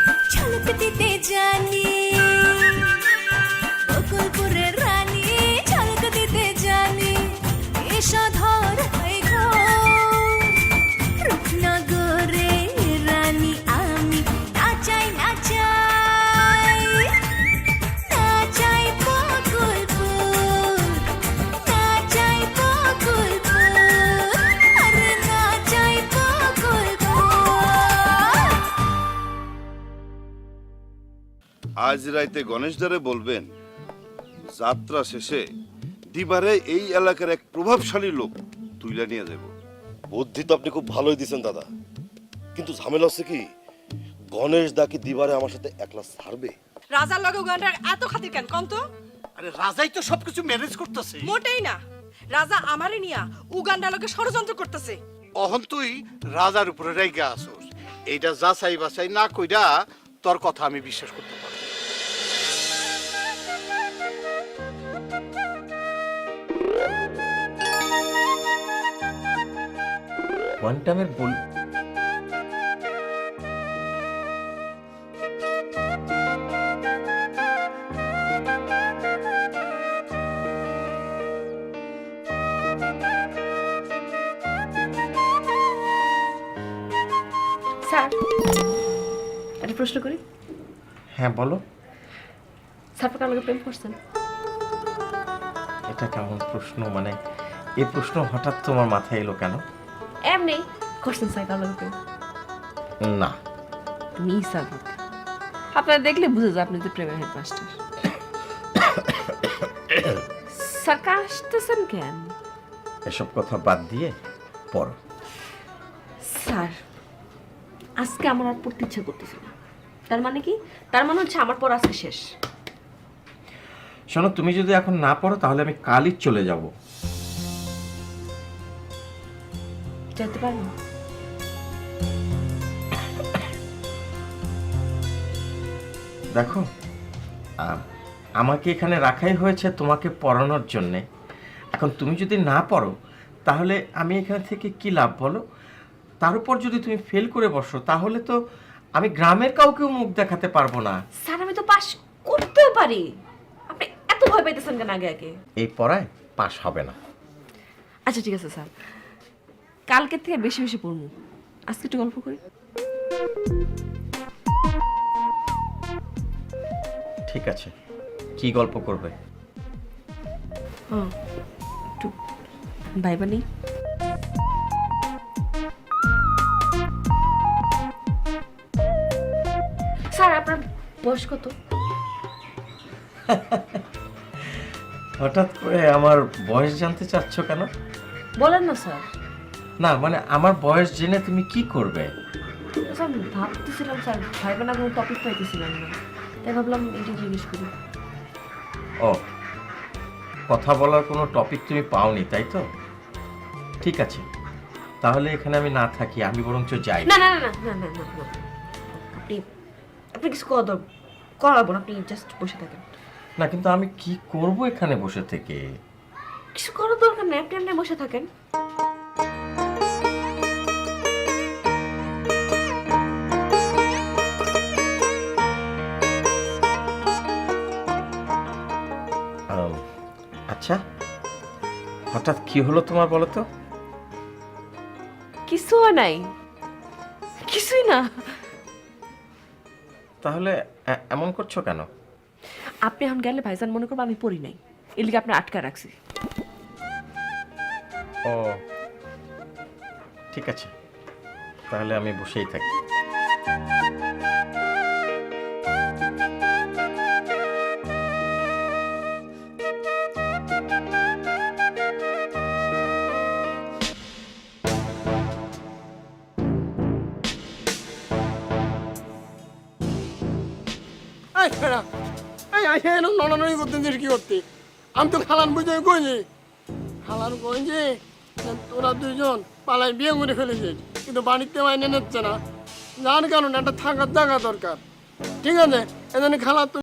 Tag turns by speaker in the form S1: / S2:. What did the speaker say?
S1: ঝলক দিতে জানি বকুলপুরের রানী, ঝলক দিতে জানি এসো ধর হয়ে ঘোর রূপনগরে রানী আমি, নাচাই নাচাই নাচাই বকুলপুর, নাচাই বকুলপুর, আরে নাচাই বকুলপুর।
S2: আজ রাইতে গণেশদারে বলবেন যাত্রা শেষে দিবারে এই এলাকার এক প্রভাবশালী লোক তুইলা নিয়ে যাব।
S3: বুদ্ধি তো আপনি খুব ভালোই দিয়েছেন দাদা, কিন্তু ঝামেলা হচ্ছে কি, গণেশ দা কি দিবারে আমার সাথে একলা ছাড়বে?
S4: রাজার লগে উগান্ডার এত খাতির কেন কম তো?
S5: আরে রাজাই তো সবকিছু ম্যানেজ করতেছে।
S4: মোটেই না, রাজা আমারে নিয়া উগান্ডার লগে ষড়যন্ত্র করতেছে।
S5: অহন তুই রাজার উপরে রেগে আসোস, এইটা যাচাই বাছাই না কইরা তোর কথা আমি বিশ্বাস করতে পারবো।
S6: কোয়ান্টামের বল
S7: স্যার একটা প্রশ্ন করি।
S6: হ্যাঁ বলো।
S7: স্যার কার লগে প্রেম করছেন?
S6: এটা কেমন প্রশ্ন, মানে এই প্রশ্ন হঠাৎ তোমার মাথায় এলো কেন?
S7: এমনি করছেন স্যার কার লগে প্রেম?
S6: না।
S7: তুমি স্যার আপনারা দেখলে বুঝে যায় আপনি তো প্রেমের হেডমাস্টার। স্যার কাশতেছেন কেন?
S6: এসব কথা বাদ দিয়ে পড়ো।
S7: স্যার আজকে আমার আর পড়তে ইচ্ছা করতেছে না। তার মানে কি? তার মানে হচ্ছে আমার পর আজকে শেষ।
S6: শোনো, তুমি যদি এখন না পড়ো তাহলে আমি কালই চলে যাব।
S7: যেতে পারবো?
S6: দেখো, আমাকে এখানে রাখাই হয়েছে তোমাকে পড়ানোর জন্যে। এখন তুমি যদি না পড়ো তাহলে আমি এখানে থেকে কি লাভ বলো? তার উপর যদি তুমি ফেল করে বসো তাহলে তো আমি গ্রামের কাউকেও মুখ দেখাতে পারবো না।
S7: স্যার আমি তো পাস করতেও পারি, আপনি এত ভয় পাইতেছেন কেন আগে আগে?
S6: এই পড়ায় পাস হবে না।
S7: আচ্ছা ঠিক আছে স্যার, কালকে থেকে বেশি বেশি পড়বো। আজকে একটু গল্প করি।
S6: ঠিক আছে, কি গল্প করবে?
S7: একটু ভাইবা নেই। স্যার আপনার বয়স কত?
S6: হঠাৎ করে আমার বয়স জানতে চাচ্ছ কেন?
S7: বলেন না স্যার।
S6: না মানে আমার বয়স জেনে তুমি কি করবে?
S7: স্যার ভাবতেছিলাম স্যার, ভাইবা না কোনো টপিক পাইতেছিলাম না, তাই ভাবলাম এটা জিজ্ঞেস করি।
S6: ও, কথা বলার কোনো টপিক তুমি পাওনি তাই তো? ঠিক আছে, তাহলে এখানে আমি না থাকি, আমি বরঞ্চ যাই।
S7: না না না না না না না, আপনি আপনি কিছু করাবো না, আপনি জাস্ট বসে থাকেন।
S6: না কিন্তু আমি কি করব এখানে বসে থেকে?
S7: কিছু করার দরকার নেই, আপনি এমনি বসে থাকেন।
S6: আচ্ছা, হঠাৎ কি হলো তোমার বলো তো?
S7: কিছু হয় নাই, কিছুই না।
S6: তাহলে এমন করছো কেন?
S7: আপনি এখন গেলে ভাইজান মনে করবো আমি পড়ি নাই, এর লিগে আপনি আটকা রাখছি।
S6: ও ঠিক আছে, তাহলে আমি বসেই থাকি।
S8: কি করতে আমি তো খালান বুঝে কইছি, খালান কইছি তোরা দুইজন পালাই বিয়ে করে ফেলেছিস, কিন্তু বাড়িতে মাইনে নিচ্ছে না, যার কারণে একটা থাকার জায়গা দরকার। ঠিক আছে, এজন্য খালা